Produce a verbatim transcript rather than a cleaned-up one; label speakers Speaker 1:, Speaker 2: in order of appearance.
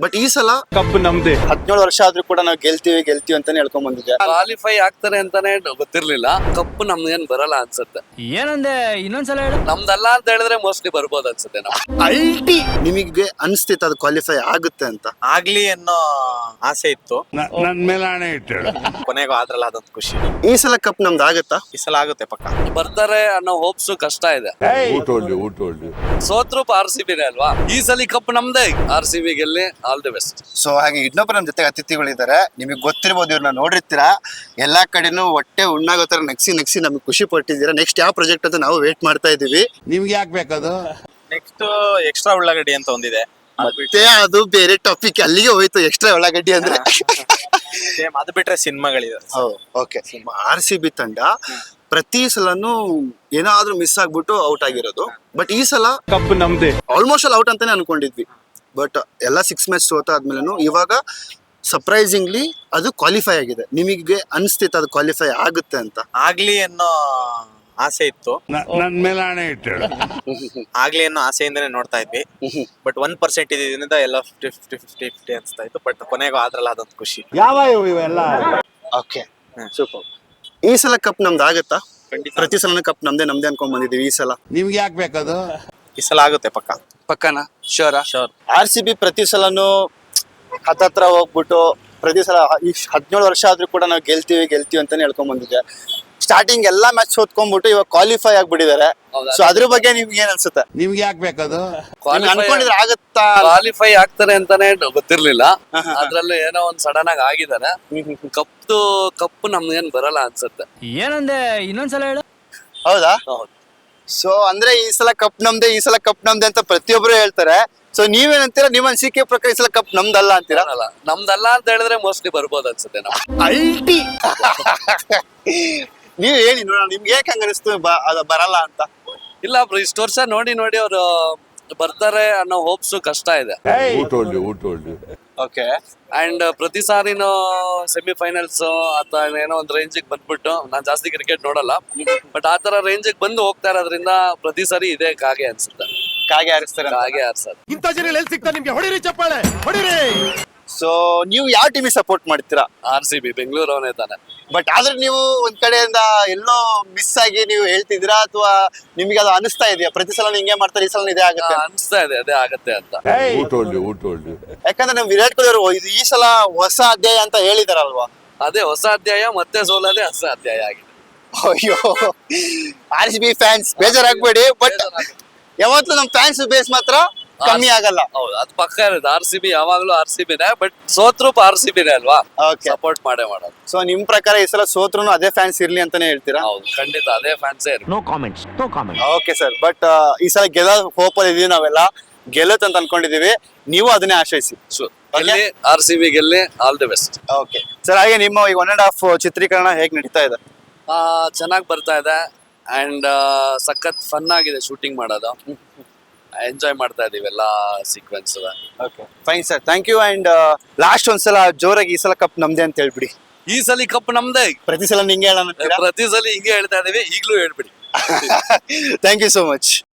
Speaker 1: But ಈ ಸಲ
Speaker 2: cup ನಮ್ದೇ.
Speaker 1: ಹದಿನೇಳು ವರ್ಷ ಆದ್ರೂ ಕೂಡ ನಾವು ಗೆಲ್ತೀವಿ ಗೆಲ್ತೀವಿ ಅಂತಾನೆ ಹೇಳ್ಕೊಂಡ್ ಬಂದಿದ್ದೆ.
Speaker 3: ಕ್ವಾಲಿಫೈ ಆಗ್ತಾರೆ ಅಂತಾನೆ ಗೊತ್ತಿರ್ಲಿಲ್ಲ. ಕಪ್ಪು ನಮ್ಗೇನ್ ಬರಲ್ಲ ಅನ್ಸುತ್ತೆ.
Speaker 4: ಏನಂದೆ ಇನ್ನೊಂದ್ಸಲ ಹೇಳು.
Speaker 3: ನಮ್ದಲ್ಲ ಅಂತ ಹೇಳಿದ್ರೆ ಮೋಸ್ಟ್ಲಿ ಬರ್ಬೋದು ಅನ್ಸುತ್ತೆ. ನಾವು
Speaker 1: ಅಲ್ಟಿ ನಿಮಗೆ ಅನ್ಸ್ತಿತ್ತು ಅದು ಕ್ವಾಲಿಫೈ ಆಗುತ್ತೆ ಅಂತ?
Speaker 5: ಆಗ್ಲಿ ಅನ್ನೋ ಆಸೆ ಇತ್ತು.
Speaker 2: ನನ್ ಮೇಲೆ ಹಣೆ ಇಟ್ಟು
Speaker 5: ಕೊನೆಗೂ ಆದ್ರಲ್ಲ ಅದೊಂದು ಖುಷಿ.
Speaker 1: ಈ ಸಲ ಕಪ್ ನಮ್ದು ಆಗತ್ತಾ?
Speaker 5: ಈ ಸಲ ಆಗುತ್ತೆ ಪಕ್ಕ.
Speaker 3: ಬರ್ತಾರೆ ಅನ್ನೋ ಹೋಪ್ಸ್ ಕಷ್ಟ ಇದೆ.
Speaker 2: ಊಟ ಹೊಳ್ಳಿ ಊಟ ಹೊಳ್ಳಿ
Speaker 3: ಸೋತ್ರು ಆರ್ ಸಿ ಬಿನೇ ಅಲ್ವಾ. ಈ ಸಲ ಕಪ್ ನಮ್ದೇ. ಆರ್ ಸಿ ಬಿ ಗೆಲ್ಲಿ ಆಲ್ ದಿ ಬೆಸ್ಟ್.
Speaker 1: ಸೊ ಹಾಗೆ ಇನ್ನೊಬ್ಬರ ನಮ್ಮ ಜೊತೆ ಅತಿಥಿಗಳಿದ್ದಾರೆ. ನಿಮಗೆ ಗೊತ್ತಿರ್ಬೋದು, ಇವ್ರನ್ನ ನೋಡಿರ್ತೀರಾ. ಎಲ್ಲಾ ಕಡೆನೂ ಹೊಟ್ಟೆ ಉಣ್ಣಾಗೋ ತರ ನಗ್ಸಿ ನಗ್ಸಿ ನಮಗೆ ಖುಷಿ ಪಟ್ಟಿದ್ದೀರಾ. ನೆಕ್ಸ್ಟ್ ಯಾವ ಪ್ರಾಜೆಕ್ಟ್ ಅಂತ ನಾವು ವೇಟ್ ಮಾಡ್ತಾ ಇದೀವಿ.
Speaker 2: ನಿಮ್ಗೆ ಯಾಕೆ ಬೇಕದು?
Speaker 5: ನೆಕ್ಸ್ಟ್ ಎಕ್ಸ್ಟ್ರಾ ಉಳ್ಳಾಗಡ್ಡಿ ಅಂತ ಒಂದಿದೆ.
Speaker 1: ಮತ್ತೆ ಅದು ಬೇರೆ ಟಾಪಿಕ್, ಅಲ್ಲಿಗೆ ಹೋಯ್ತು. ಎಕ್ಸ್ಟ್ರಾ ಉಳ್ಳಾಗಡ್ಡಿ ಅಂದ್ರೆ
Speaker 5: ಸೇಮ್ ಅದು ಬಿಟ್ರೆ ಸಿನಿಮಾಗಳಿದೆ.
Speaker 1: ಓಕೆ. ಆರ್ ಸಿ ಬಿ ತಂಡ ಪ್ರತಿ ಸಲನು ಏನಾದ್ರೂ ಮಿಸ್ ಆಗ್ಬಿಟ್ಟು ಔಟ್ ಆಗಿರೋದು. ಬಟ್ ಈ ಸಲ
Speaker 2: ಕಪ್ ನಮ್ದೇ.
Speaker 1: ಆಲ್ಮೋಸ್ಟ್ ಆಲ್ ಔಟ್ ಅಂತಾನೆ ಅನ್ಕೊಂಡಿದ್ವಿ. ಬಟ್ ಎಲ್ಲ ಸಿಕ್ಸ್ ಮ್ಯಾಚ್ ಸೋತ ಆದ್ಮೇಲೆ ಇವಾಗ ಸರ್ಪ್ರೈಸಿಂಗ್ಲಿ ಅದು ಕ್ವಾಲಿಫೈ ಆಗಿದೆ. ನಿಮಗೆ ಅನ್ಸ್ತಿತ್ತು ಅದು ಕ್ವಾಲಿಫೈ ಆಗುತ್ತೆ ಅಂತ?
Speaker 5: ಆಗ್ಲಿ ಅನ್ನೋ ಆಸೆ ಇತ್ತು.
Speaker 2: ನನ್ ಮೇಲೆ ಹಣೆ ಇಟ್ಟು
Speaker 5: ಆಗ್ಲಿ ಅನ್ನೋ ಆಸೆಯಿಂದನೇ ನೋಡ್ತಾ ಇದ್ವಿ. ಬಟ್ ಒನ್ ಪರ್ಸೆಂಟ್ ಇದರಿಂದ ಎಲ್ಲ ಫಿಫ್ಟಿ ಫಿಫ್ಟಿ ಫಿಫ್ಟಿ ಫಿಫ್ಟಿ ಅನ್ಸ್ತಾ ಇತ್ತು. ಬಟ್ ಕೊನೆಗೂ ಆದ್ರಲ್ಲ ಅದೊಂದು ಖುಷಿ.
Speaker 2: ಯಾವ ಇವೆಲ್ಲ?
Speaker 1: Okay, super. ಈ ಸಲ ಕಪ್ ನಮ್ದು ಆಗತ್ತಾ?
Speaker 5: ಖಂಡಿತ.
Speaker 1: ಪ್ರತಿ ಸಲ ಕಪ್ ನಮ್ದೇ ನಮ್ದೇ ಅನ್ಕೊಂಡ್ ಬಂದಿದೀವಿ. ಈ ಸಲ
Speaker 2: ನಿಮ್ಗೆ ಯಾಕೆ ಬೇಕದು?
Speaker 5: ಈ ಸಲ ಆಗುತ್ತೆ ಪಕ್ಕ.
Speaker 3: ಪಕ್ಕನ ಶೋರ
Speaker 5: ಶೋರ್.
Speaker 1: ಆರ್ ಸಿ ಬಿ ಪ್ರತಿ ಸಲನು ಹತ್ತತ್ರ ಹೋಗ್ಬಿಟ್ಟು ಪ್ರತಿ ಸಲ ಈ ಹದಿನೇಳು ವರ್ಷ ಆದ್ರೂ ಕೂಡ ನಾವು ಗೆಲ್ತೀವಿ ಗೆಲ್ತೀವಿ ಅಂತಾನೆ ಹೇಳ್ಕೊಂಡ್ ಬಂದಿದ್ದೆ. ಸ್ಟಾರ್ಟಿಂಗ್ ಎಲ್ಲಾ ಮ್ಯಾಚ್ ಸೋತ್ಕೊಂಡ್ಬಿಟ್ಟು ಇವಾಗ ಕ್ವಾಲಿಫೈ ಆಗ್ಬಿಟ್ಟಿದ್ದಾರೆ. ಸೊ ಅದ್ರ ಬಗ್ಗೆ ನಿಮ್ಗೆ ಏನ್ ಅನ್ಸುತ್ತೆ?
Speaker 2: ನಿಮ್ಗೆ ಯಾಕೆ ಬೇಕದು?
Speaker 1: ನೀವ್ ಅನ್ಕೊಂಡಿದ್ರೆ ಆಗತ್ತಾ?
Speaker 3: ಕ್ವಾಲಿಫೈ ಆಗ್ತಾರೆ ಅಂತಾನೆ ಗೊತ್ತಿರ್ಲಿಲ್ಲ. ಅದ್ರಲ್ಲೂ ಏನೋ ಒಂದ್ ಸಡನ್ ಆಗಿ ಆಗಿದ್ದಾರೆ. ಕಪ್ಪು ಕಪ್ಪು ನಮ್ಗೇನ್ ಬರಲ್ಲ ಅನ್ಸುತ್ತೆ.
Speaker 4: ಏನಂದೆ ಇನ್ನೊಂದ್ಸಲ ಹೇಳು.
Speaker 1: ಹೌದಾ?
Speaker 3: ಹೌದು.
Speaker 1: ಸೊ ಅಂದ್ರೆ ಈ ಸಲ ಕಪ್ ನಮ್ದೆ ಈ ಸಲ ಕಪ್ ನಮ್ದೆ ಅಂತ ಪ್ರತಿಯೊಬ್ರು ಹೇಳ್ತಾರೆ. ಸೊ ನೀವೇನಂತೀರಾ? ನಿಮ್ಮ ಅನಿಸಿಕೆ ಪ್ರಕಾರ ಈ ಸಲ ಕಪ್ ನಮ್ದಲ್ಲ ಅಂತೀರಾ?
Speaker 3: ಅಲ್ಲ, ನಮ್ದಲ್ಲ ಅಂತ ಹೇಳಿದ್ರೆ ಮೋಸ್ಟ್ಲಿ ಬರ್ಬೋದು ಅನ್ಸುತ್ತೆ. ನಾವು
Speaker 1: ಅಲ್ಟಿ ನೀವ್ ಹೇಳಿ ನೋಡೋಣ, ನಿಮ್ಗೆ ಹೇಗೆ ಹಂಗ ಅನಿಸ್ತು ಅದು ಬರಲ್ಲ ಅಂತ?
Speaker 3: ಇಲ್ಲ ಬ್ರೋ, ಇಷ್ಟು ವರ್ಷ ನೋಡಿ ನೋಡಿ ಅವರು ಬರ್ತಾರೆ ಅನ್ನೋ ಹೋಪ್ಸ್ ಕಷ್ಟ ಇದೆ.
Speaker 2: ಊಟ ಹೊಳ್ಳಿ ಊಟ ಹೊಳ್ಳಿ
Speaker 1: ಓಕೆ.
Speaker 3: ಅಂಡ್ ಪ್ರತಿ ಸಾರಿನೂ ಸೆಮಿಫೈನಲ್ಸ್ ಅಥವಾ ಏನೋ ಒಂದು ರೇಂಜಿಗೆ ಬಂದ್ಬಿಟ್ಟು, ನಾನ್ ಜಾಸ್ತಿ ಕ್ರಿಕೆಟ್ ನೋಡಲ್ಲ, ಬಟ್ ಆ ತರ ರೇಂಜಿಗೆ ಬಂದು ಹೋಗ್ತಾ ಇರೋದ್ರಿಂದ ಪ್ರತಿ ಸಾರಿ ಇದೇ ಕಾಗೆ ಅನ್ಸುತ್ತೆ.
Speaker 1: ಕಾಗೆ ಹಾರಿಸ್ತಾರೆ.
Speaker 3: ಕಾಗೆ ಆರ್ಸೋದು.
Speaker 2: ಇಂಥ ಜನ ಎಲ್ಲಿ ಸಿಗ್ತಾರೆ ನಿಮ್ಗೆ? ಹೊಡಿರಿ ಚಪ್ಪಾಳೆ ಹೊಡಿರಿ.
Speaker 1: ಸೊ ನೀವು ಯಾವ ಟೀಮಿಗೆ ಸಪೋರ್ಟ್ ಮಾಡ್ತೀರಾ?
Speaker 3: ಆರ್ ಸಿ ಬಿ ಬೆಂಗಳೂರು ಅವನೇ ತಾನೆ.
Speaker 1: ಬಟ್ ಆದ್ರೆ ನೀವು ಒಂದ್ ಕಡೆಯಿಂದ ಎಲ್ಲೋ ಮಿಸ್ ಆಗಿ ನೀವು ಹೇಳ್ತಿದ್ದೀರಾ, ಅಥವಾ ನಿಮ್ಗೆ ಅದು ಅನಿಸ್ತಾ ಇದೆಯಾ ಪ್ರತಿ ಸಲ ಹಿಂಗೆ ಮಾಡ್ತಾರೆ, ಈ ಸಲ ಇದೇ ಆಗುತ್ತೆ ಅಂತ?
Speaker 3: ಅನ್ಸ್ತಾ ಇದೆ ಅದೇ ಆಗತ್ತೆ ಅಂತ.
Speaker 2: ಊಟ ಹೊಳ್ಳಿ ಊಟ ಹೊಳ್ಳಿ
Speaker 1: ಯಾಕಂದ್ರೆ ನಮ್ ವಿರಾಟ್ ಕೊಹ್ಲಿ ಅವರು ಇದು ಈ ಸಲ ಹೊಸ ಅಧ್ಯಾಯ ಅಂತ ಹೇಳಿದಾರಲ್ವಾ?
Speaker 3: ಅದೇ ಹೊಸ ಅಧ್ಯಾಯ, ಮತ್ತೆ ಸೋಲೋದೇ ಹೊಸ ಅಧ್ಯಾಯ ಆಗಿದೆ.
Speaker 1: ಅಯ್ಯೋ, ಆರ್ ಸಿ ಬಿ ಫ್ಯಾನ್ಸ್ ಬೇಜಾರಾಗ್ಬೇಡಿ. ಬಟ್ ಯಾವತ್ತೂ ನಮ್ ಫ್ಯಾನ್ಸ್ ಬೇಸ್ ಮಾತ್ರ ಕಮ್ಮಿ ಆಗಲ್ಲ.
Speaker 3: ಹೌದು, ಅದು ಪಕ್ಕ ಇರೋದು. ಆರ್ ಸಿ ಬಿ ಯಾವಾಗ್ಲೂ ಆರ್ ಸಿ ಬಿನೇ, ಬಟ್ ಸೋತ್ರು ಆರ್ ಸಿ ಬಿನೇ ಅಲ್ವಾ.
Speaker 1: ಓಕೆ.
Speaker 3: ಸಪೋರ್ಟ್ ಮಾಡೇ ಮಾಡೋದು.
Speaker 1: ಸೊ ನಿಮ್ ಪ್ರಕಾರ ಈ ಸಲ ಸೋತ್ರು ಅದೇ ಫ್ಯಾನ್ಸ್ ಇರ್ಲಿ ಅಂತಾನೆ ಹೇಳ್ತೀರಾ?
Speaker 3: ಹೌದು, ಖಂಡಿತ ಅದೇ ಫ್ಯಾನ್ಸೇ ಇರ್ಲಿ.
Speaker 4: No comments no comments.
Speaker 1: Okay sir. But ಈ ಸಲ ಗೆಲ್ಲೋ ಹೋಪ್ ಅಲ್ಲಿ ಇದೀವಿ ನಾವೆಲ್ಲ. ಗೆಲ್ಲುತ್ತೆ ಅಂತ ಅನ್ಕೊಂಡಿದೀವಿ. ನೀವು ಅದನ್ನೇ ಆಶ್ರಯಿಸಿ.
Speaker 3: ಗೆಲ್ಲಿ ಆರ್ ಸಿ ಬಿ ಗೆಲ್ಲಿ all the best.
Speaker 1: Okay sir. ಹಾಗೆ ನಿಮ್ಮ ಈ ಒನ್ ಅಂಡ್ ಹಾಫ್ ಚಿತ್ರೀಕರಣ ಹೇಗ್ ನಡೀತಾ ಇದೆ?
Speaker 3: ಚೆನ್ನಾಗಿ ಬರ್ತಾ ಇದೆ. ಅಂಡ್ ಸಖತ್ ಫನ್ ಆಗಿದೆ ಶೂಟಿಂಗ್ ಮಾಡೋದು. ಎಂಜಾಯ್ ಮಾಡ್ತಾ ಇದೀವಿ ಎಲ್ಲ sequence.
Speaker 1: Okay, fine sir, thank you. And last ಒಂದ್ಸಲ ಜೋರಾಗಿ ಈ ಸಲ ಕಪ್ ನಮ್ದೇ ಅಂತ ಹೇಳ್ಬಿಡಿ.
Speaker 3: ಈ ಸಲ ಕಪ್ ನಮ್ದೇ.
Speaker 1: ಪ್ರತಿ ಸಲ ನಿಂಗೆ ಹೇಳೋಣ.
Speaker 3: ಪ್ರತಿ ಸಲ ಹಿಂಗೆ ಹೇಳ್ತಾ ಇದೀವಿ, ಈಗ್ಲೂ ಹೇಳ್ಬಿಡಿ.
Speaker 1: Thank you so much.